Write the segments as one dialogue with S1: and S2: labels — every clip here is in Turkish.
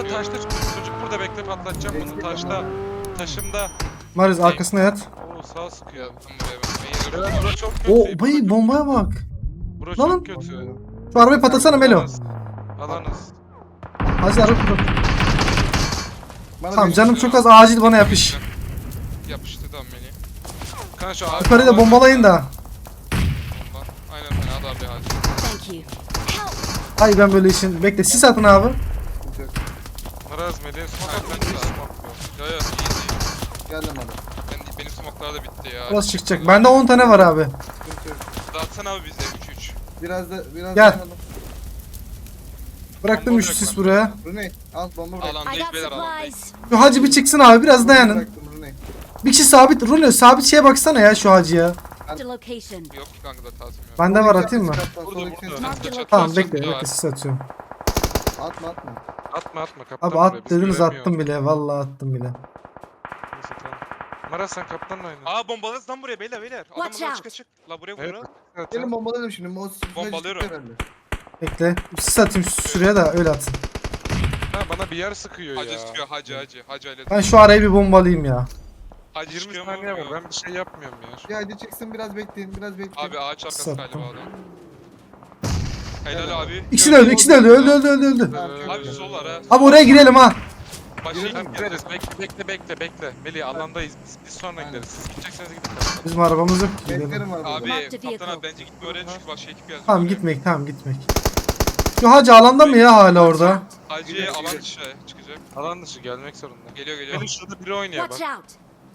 S1: burada taşta çocuk burada bekle patlatacağım bunu taşta. Taşımda.
S2: Mariz arkasına yat.
S1: Oo sağ sıkıyor.
S3: Yattım buraya ben.
S1: Evet bura çok kötü.
S2: O bayı bombaya bak.
S1: Bura
S2: Lan.
S1: çok kötü.
S2: Şu arabayı patlatsana Melo.
S1: Alanız.
S2: Hadi araba patlat.
S4: Bana
S2: Tamam
S4: bir-
S2: canım çok az acil bana yapış.
S3: Yapıştı tam beni.
S1: Kanka şu
S2: Yukarıyı da bombalayın da.
S3: Bomba. Aynen fena da abi hadi.
S5: Thank you. Help!
S2: Ay ben böyle işin. Bekle sis atın abi.
S1: Maraz Melih'in smoke
S3: Aynen,
S1: atmak
S3: ben
S1: iyi
S3: de-
S1: smoke bu.
S3: Ya ya iyi değil.
S4: Geldim hadi.
S3: Benim smoklar da bitti ya.
S2: Burası çıkacak. Bende 10 tane var abi.
S4: Sıkıntı yok.
S3: Dağıtsana abi bizde 3-3.
S4: Biraz
S2: Gel.
S4: dayanalım.
S2: Bıraktım 3 sis buraya.
S4: Rune al bomba bırak.
S5: I
S3: Alandayız
S5: got
S3: beyler alandayız.
S5: supplies.
S2: Şu hacı bir çıksın abi biraz dayanın.
S4: Bıraktım Rune.
S2: Bir kişi sabit. Rulo sabit şeye baksana ya şu hacıya.
S5: Marked a location.
S3: Yok ki kanka da tazim yok.
S2: Bende var atayım mı?
S1: Burada.
S5: Marked a location.
S2: Tamam bekle bekle sis atıyorum.
S4: Atma atma.
S1: Atma kaptan.
S2: Abi
S1: buraya,
S2: at
S1: biz
S2: dediniz
S1: göremiyoruz.
S2: attım bile. Vallahi attım bile.
S1: Neyse, tamam. Maraz sen kaptanla oyna.
S3: Aa bombalarız lan buraya beyler.
S5: Watch
S3: Adamlar
S5: out.
S3: çık. La buraya
S1: Evet.
S3: vurun.
S1: Evet,
S4: Gelin bombalayalım şimdi. O sıfır
S3: Bombalıyorum.
S4: çıktı herhalde.
S2: Bekle. Sis atayım şuraya da öyle atın.
S1: Ha, bana bir yer sıkıyor
S3: Hacı
S1: ya.
S3: çıkıyor hacı. Hacı öyle.
S2: Ben şu arayı bir bombalayayım ya.
S3: Hacı
S1: 20
S3: çıkıyor
S1: saniye var
S3: mu?
S1: ben bir şey yapmıyorum ya.
S4: Bir hadi çıksın biraz bekleyin biraz bekleyin.
S3: Abi ağaç arkası
S2: Sattım.
S3: galiba adam. Helal abi.
S2: İkisi de öldü, ikisi de öldü, öldü.
S4: Tamam, çok
S3: Abi
S4: güzel.
S3: sol var ha.
S2: Abi oraya girelim ha.
S3: Başlayın.
S1: Tamam gideriz bekle. Melih alandayız biz sonra
S4: Aynen.
S1: gideriz. Siz gidecekseniz gidin.
S2: Bizim arabamız yok ki gidelim.
S4: Beklerim abi.
S3: Abi
S5: Marked
S3: kaptan
S5: vehicle.
S3: abi bence gitme oraya çünkü başka ekip yazıyor.
S2: Tamam gitmek, tamam gitmek. Şu hacı alanda mı ya hala orada?
S3: Hacı
S4: Gidiyor,
S3: alan
S4: gidiyor.
S3: dışı çıkacak.
S1: Alan dışı gelmek zorunda.
S3: Geliyor.
S1: Melih şurada biri oynuyor bak.
S5: Watch out!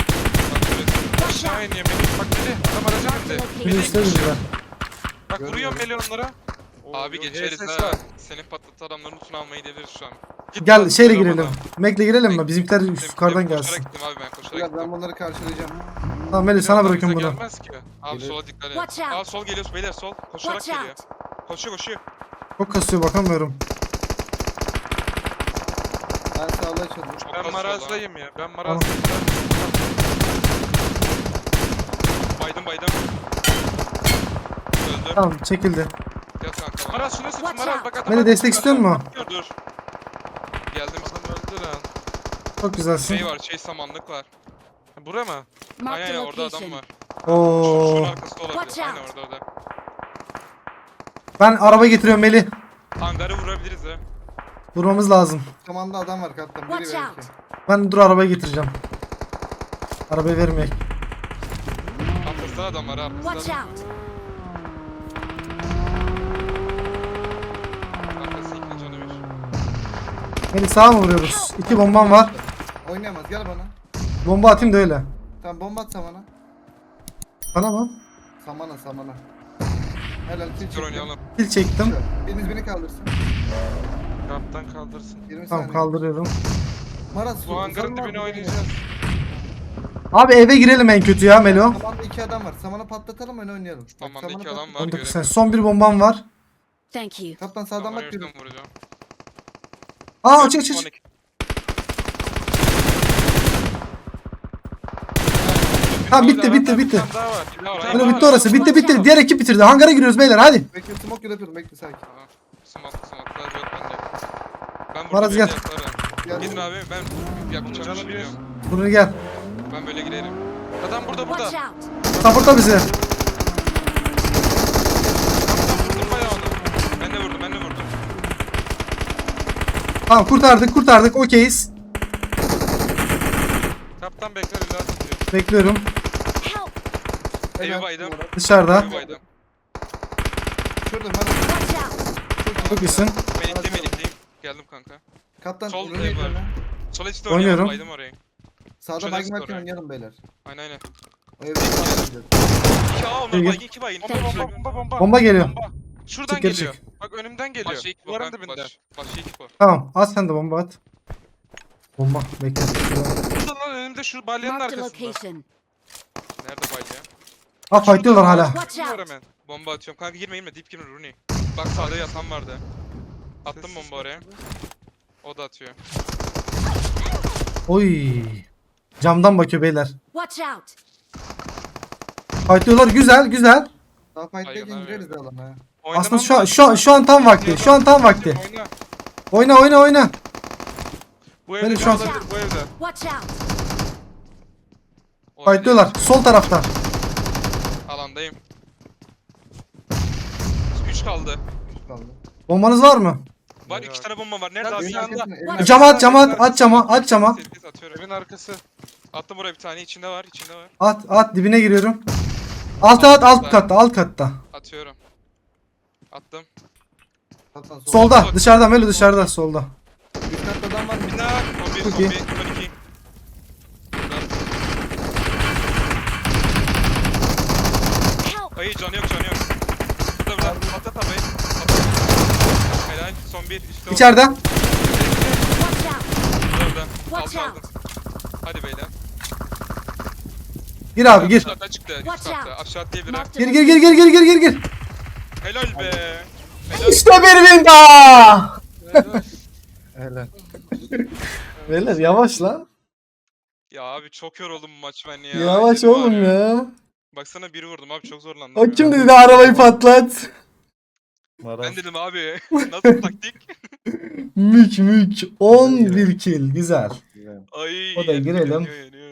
S1: Aşağı iniyor Melih. Bak Melih adam araca
S5: Marked a
S1: bindi.
S2: Bir
S5: location.
S2: üstte bizler.
S1: Bak vuruyor Melih onlara.
S3: Abi
S1: Oo,
S3: geçeriz
S1: HSS
S3: ha.
S1: var.
S3: Senin patlatı adamların lootunu almayı gidebiliriz şu an.
S1: Git
S2: Gel
S1: lan,
S2: şeyle
S1: sıra
S2: girelim.
S1: bana.
S2: Mac'le girelim mi? Bizimkiler yukarıdan
S3: Koşarak
S2: gelsin.
S3: gittim abi ben koşarak
S4: Biraz ben
S3: gittim.
S4: bunları karşılayacağım.
S2: Tamam Melih sana
S1: Adam
S2: bırakıyorum
S1: bize
S2: bunu.
S1: gelmez ki.
S3: Abi
S4: Gelir.
S3: sola dikkat et.
S5: Watch out.
S3: Aa sol geliyor beyler sol. Koşarak
S5: Watch
S3: geliyor.
S5: out!
S3: Koşuyor.
S2: Çok kasıyor bakamıyorum.
S4: Ben sağlığa çalıyorum.
S3: Çok
S1: Ben
S3: az
S1: marazdayım ya. Ben
S2: Tamam.
S1: marazdayım.
S3: Baydım. Öldüm.
S2: Tamam çekildi.
S3: Yat kanka. bana.
S1: Maraz şunu sık
S5: Watch
S1: Maraz
S5: out.
S1: bak adam.
S2: Melih destek istiyor musun?
S3: Dur. Geldim.
S1: Adam öldü lan.
S2: Çok güzelsin.
S3: Şey var samanlık var.
S1: Bura mı?
S5: Marked
S3: Aynen
S5: a
S3: orada adam
S5: location.
S3: var.
S2: Oo.
S3: Şunun arkasında olabilir.
S5: Watch
S3: Aynen
S5: out.
S3: orada.
S2: Ben araba getiriyorum Melih.
S3: Hangarı vurabiliriz ha.
S2: Vurmamız lazım.
S4: Samanda adam var kaptan. Biri
S5: Watch
S4: verir
S5: out.
S4: ki.
S2: Ben dur arabayı getireceğim. Arabayı vermeyek.
S3: Arkasında adam var ha.
S5: Watch
S3: Arkasında.
S5: out!
S3: Arkası ikinci canı bir.
S2: Melih sağa mı vuruyoruz? 2 bombam var.
S4: Oynayamaz gel bana.
S2: Bomba atayım da öyle.
S4: Tamam bomba at samana.
S2: Bana mı?
S4: Samana. Helal kill
S3: Dur
S4: çektim.
S3: oynayalım.
S2: Pil çektim.
S4: Biriniz beni kaldırsın.
S1: Kaptan kaldırsın.
S4: 20
S2: Tamam
S4: saniye.
S2: kaldırıyorum.
S4: Maraz
S1: Bu hangarın
S4: uzanma
S1: dibine
S4: abi,
S1: oynayacağız.
S2: Abi eve girelim en kötü ya Melo.
S4: Samanda 2 adam var. Samana patlatalım öyle oynayalım. Bak,
S3: Tamam
S4: samana
S3: iki adam
S4: patlat-
S3: var.
S2: 19
S3: Görelim.
S2: Son bir bombam var.
S5: Thank you.
S4: Kaptan sağdan bak biri.
S3: Vuracağım.
S2: Aa açık. Tamam bitti.
S1: Bir tane daha var.
S2: Melo bitti orası. Bitti. Diğer ekip bitirdi. Hangara giriyoruz beyler hadi.
S4: Bekle smoke yapıyorum bekle sakin.
S3: Smoke'lar yok bende. Ben
S2: Maraz gel.
S4: Gel.
S3: Gidin abi ben yapacağım
S1: Canı
S3: bir şey
S1: bir.
S3: yok.
S2: Bunu gel.
S3: Ben böyle giderim.
S1: Adam burada.
S5: Watch
S1: Kaptan
S5: out!
S2: Supportla bizi.
S1: vurdum bayağı onu.
S3: Ben de vurdum.
S2: Tamam kurtardık. Okeyiz.
S1: Kaptan bekler ileride atıyor.
S2: Bekliyorum.
S5: Help!
S3: Evi
S4: Helal.
S3: baydım.
S2: Dışarıda.
S3: Evi baydım.
S4: Şurada Maraz.
S5: Watch out!
S2: Çok iyisin.
S3: Melikleyim. Geldim kanka.
S4: Kaptan
S3: Sol
S4: Rune'yi
S3: ev var.
S4: dönme.
S3: Sol içte
S2: Oynuyorum.
S3: oynayalım. Baydım orayı.
S4: Sağda
S3: Şöyle
S4: baygın
S3: skor
S4: varken
S3: ya.
S4: oynayalım beyler.
S3: Aynen.
S4: O evde kalmayacağız.
S3: 2 A onlar
S2: İyi.
S3: baygın 2 baygın.
S2: Bomba geliyor.
S1: Şuradan
S2: Çık geri
S1: geliyor.
S2: çık.
S1: Bak önümden geliyor.
S3: Başka ekip
S1: Duvarın
S3: var.
S1: dibinde.
S3: Başka ekip var.
S2: Tamam at sen de bomba at. Bomba bekle.
S1: Burada lan önümde şu balyanın
S5: Marked a
S1: arkasında.
S5: location.
S3: Nerede baydı ya?
S2: Ha fightlıyorlar hala.
S5: Watch
S1: Var
S5: out!
S1: hemen.
S3: Bomba atıyorum. Kanka girme. Dip girme Rooney. Bak sağda yatan vardı. Attım
S1: Sessiz
S3: bomba oraya. O da atıyor.
S2: Oy. Camdan bakıyor beyler.
S5: Watch out!
S2: Fightlıyorlar güzel.
S4: Daha fight'tayken
S3: Baygınlar
S4: gireriz alana ha.
S2: Aslında
S1: Oynamam
S2: şu an tam vakti.
S1: Oyna.
S2: Oyna.
S1: Bu evde
S2: Ben
S1: şu
S2: şu an-
S1: olabilir, bu evde.
S5: Watch out!
S2: Fightlıyorlar. Sol tarafta.
S3: Alandayım. 3 kaldı.
S4: Kaldı.
S2: Bombanız var mı?
S3: Var
S1: Evet.
S3: 2 tane bomba var. Nerede
S1: Lan
S3: abi?
S4: Evin
S1: şu anda-
S4: arkasında, evin
S5: Cama
S4: arkasında.
S2: Aç cama. Aç cama.
S3: Ses atıyorum.
S1: Evin arkası.
S3: Attım buraya bir tane. İçinde var. İçinde var.
S2: At dibine giriyorum. Alt katta.
S3: Atıyorum. Attım.
S4: Hatta sol.
S2: Solda dışarıda Melo dışarıda solda.
S4: Üst katta adam var.
S3: Bir daha. Son bir.
S2: Çok
S3: Son
S2: iyi.
S3: bir. Son 2.
S5: Help!
S3: Ayı canı yok. Burada. Patlat abi. Helal. Son bir. Üstte
S2: İçeride.
S5: Watch out!
S3: Orada.
S5: Watch
S3: Aldım.
S5: out!
S3: Hadi beyler.
S2: Gir abi gir.
S3: Aşağıda çıktı. Üst
S5: Watch
S3: katta.
S5: out.
S3: Aşağı atlayabilir.
S5: Marked a
S2: Gir.
S3: Helal be. Helal.
S2: İşte bir win daha.
S1: Helal.
S2: Beyler yavaş lan.
S3: Ya abi çok yoruldum bu maç ben ya.
S2: Yavaş
S3: Elim
S2: oğlum
S3: ağrıyor.
S2: ya.
S3: Baksana biri vurdum abi çok zorlandım.
S2: O
S3: ya.
S2: kim dedi arabayı patlat.
S3: Ben dedim abi. Nasıl taktik?
S2: Mük. 11 kill. Güzel.
S3: Ay.
S2: O da girelim.
S3: yanıyor.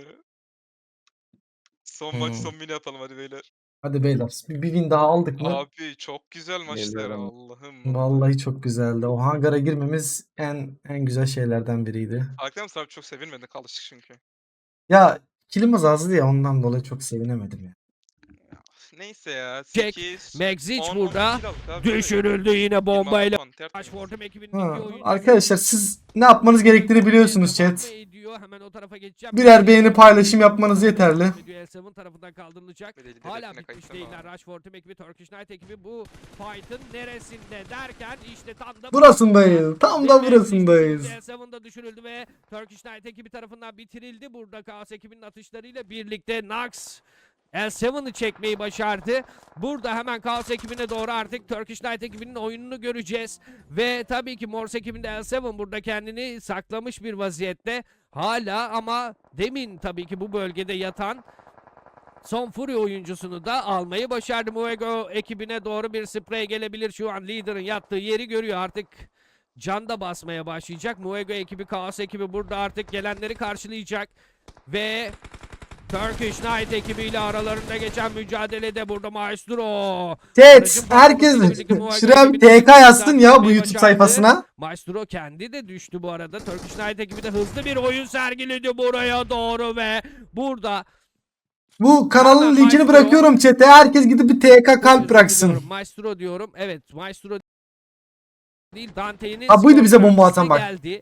S3: Son maç son mini atalım hadi beyler.
S2: Hadi beyler bir win daha aldık mı?
S3: Abi çok güzel maçlar
S1: Geliyorum.
S3: Allah'ım.
S2: Vallahi çok güzeldi. O hangara girmemiz en güzel şeylerden biriydi.
S3: Farklı mısın abi çok sevinmedik alıştık çünkü.
S2: Ya kilimiz azdı ya ondan dolayı çok sevinemedim ya.
S3: Neyse ya.
S6: Jack,
S3: 8,
S6: Megzic
S3: 10,
S6: burada
S3: 12 aldık abi, böyle.
S6: düşürüldü yine bombayla.
S3: 26 tertemiz.
S6: Rashford'un ekibinin
S2: Ha,
S6: iki oyuncusu
S2: arkadaşlar siz ne yapmanız gerektiğini biliyorsunuz
S6: devam
S2: chat.
S6: ediyor. Hemen o tarafa geçeceğim.
S2: Birer beğeni paylaşım yapmanız yeterli.
S6: L7 tarafından kaldırılacak.
S3: Böyle
S6: Hala
S3: hedefine
S6: bitmiş
S3: kayıtlı
S6: değiller.
S3: ama.
S6: Rashford'un ekibi, Turkish Knight ekibi bu fight'ın neresinde derken işte tam da
S2: Burasındayız. Tam da
S6: Ve
S2: burasındayız.
S6: L7'da düşürüldü ve Turkish Knight ekibi tarafından bitirildi. Burada Chaos ekibinin atışlarıyla birlikte Nax L7'ı çekmeyi başardı. Burada hemen Chaos ekibine doğru artık Turkish Knight ekibinin oyununu göreceğiz. Ve tabii ki Morse ekibinde L7 burada kendini saklamış bir vaziyette. Hala ama demin tabii ki bu bölgede yatan son Fury oyuncusunu da almayı başardı. Muego ekibine doğru bir sprey gelebilir. Şu an lider'ın yattığı yeri görüyor artık. Can da basmaya başlayacak. Muego ekibi, Chaos ekibi burada artık gelenleri karşılayacak. Ve Turkish Knight ekibiyle aralarında geçen mücadelede burada Maestro.
S2: Chat herkes şuraya bir TK yazsın ya bu YouTube sayfasına.
S6: Maestro kendi de düştü bu arada. Turkish Knight ekibi de hızlı bir oyun sergiledi buraya doğru ve burada
S2: Bu kanalın linkini
S6: Maestro.
S2: bırakıyorum chat'e. Herkes gidip bir TK kalp bıraksın.
S6: Maestro diyorum. Evet, Maestro değil, Dante'nin
S2: Ha, buydu bize
S6: skor
S2: bomba atan bak.
S6: geldi.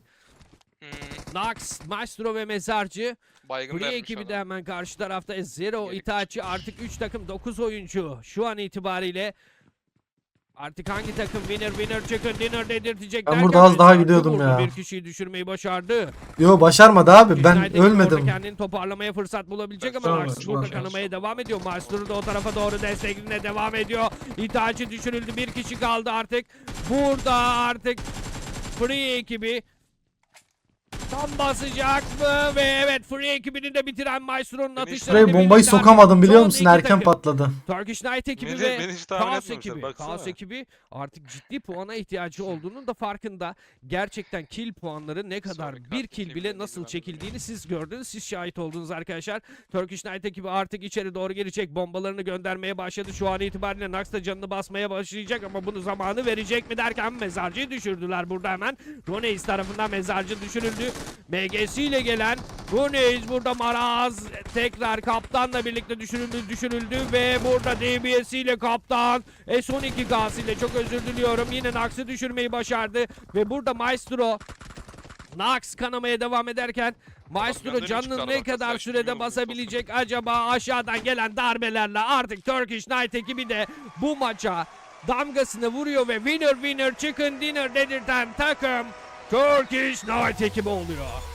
S6: Nax, Maestro ve Mezarcı.
S3: Baygın
S6: Free
S3: vermiş
S6: ekibi de
S3: adam.
S6: hemen karşı tarafta. Zero
S3: Yedik
S6: Itachi artık 3 takım 9 oyuncu. Şu an itibariyle artık hangi takım winner chicken dinner dedirtecek
S2: Ben
S6: derken
S2: burada az daha
S6: Mezarcı
S2: gidiyordum
S6: burada
S2: ya.
S6: Bir kişiyi düşürmeyi başardı.
S2: Yo başarmadı abi.
S6: United
S2: Ben
S6: ekibi orada
S2: ölmedim.
S6: kendini toparlamaya fırsat bulabilecek ama
S2: Sonra,
S6: Nax burada
S2: sonra.
S6: kanamaya devam ediyor. Maestro da o tarafa doğru destekline devam ediyor. Itachi düşürüldü. Bir kişi kaldı artık. Burada artık Free ekibi tam basacak mı? Ve evet Free ekibini de bitiren Maestro'nun atışları.
S2: Şuraya bombayı sokamadım biliyor musun? Erken patladı.
S6: Turkish Knight ekibi
S1: Beni-
S6: ve
S1: beni hiç tahmin
S6: Chaos
S1: etmemişler,
S6: ekibi.
S1: baksana.
S6: Chaos ekibi artık ciddi puana ihtiyacı olduğunun da farkında. Gerçekten kill puanları ne kadar
S3: Sonraki
S6: bir
S3: artık
S6: kill
S3: kim
S6: bile
S3: bilir
S6: nasıl
S3: ben de
S6: çekildiğini siz gördünüz. Siz şahit oldunuz arkadaşlar. Turkish Knight ekibi artık içeri doğru girecek. Bombalarını göndermeye başladı. Şu an itibariyle Nax da canını basmaya başlayacak ama bunu zamanı verecek mi derken Mezarcı'yı düşürdüler burada hemen. Roneis tarafından Mezarcı düşürüldü. MGS ile gelen Roneis burada Maraz tekrar kaptanla birlikte düşürüldü ve burada DBS ile kaptan S12 gaz ile çok özür diliyorum. Yine Nax'ı düşürmeyi başardı ve burada Maestro Nax kanamaya devam ederken Maestro
S3: göndermiş
S6: canını
S3: galiba,
S6: ne kadar
S3: kasaya
S6: sürede
S3: çıkıyor,
S6: basabilecek acaba aşağıdan gelen darbelerle artık Turkish Knight ekibi de bu maça damgasını vuruyor ve winner chicken dinner dedirten takım Turkish Knight ekibi oluyor.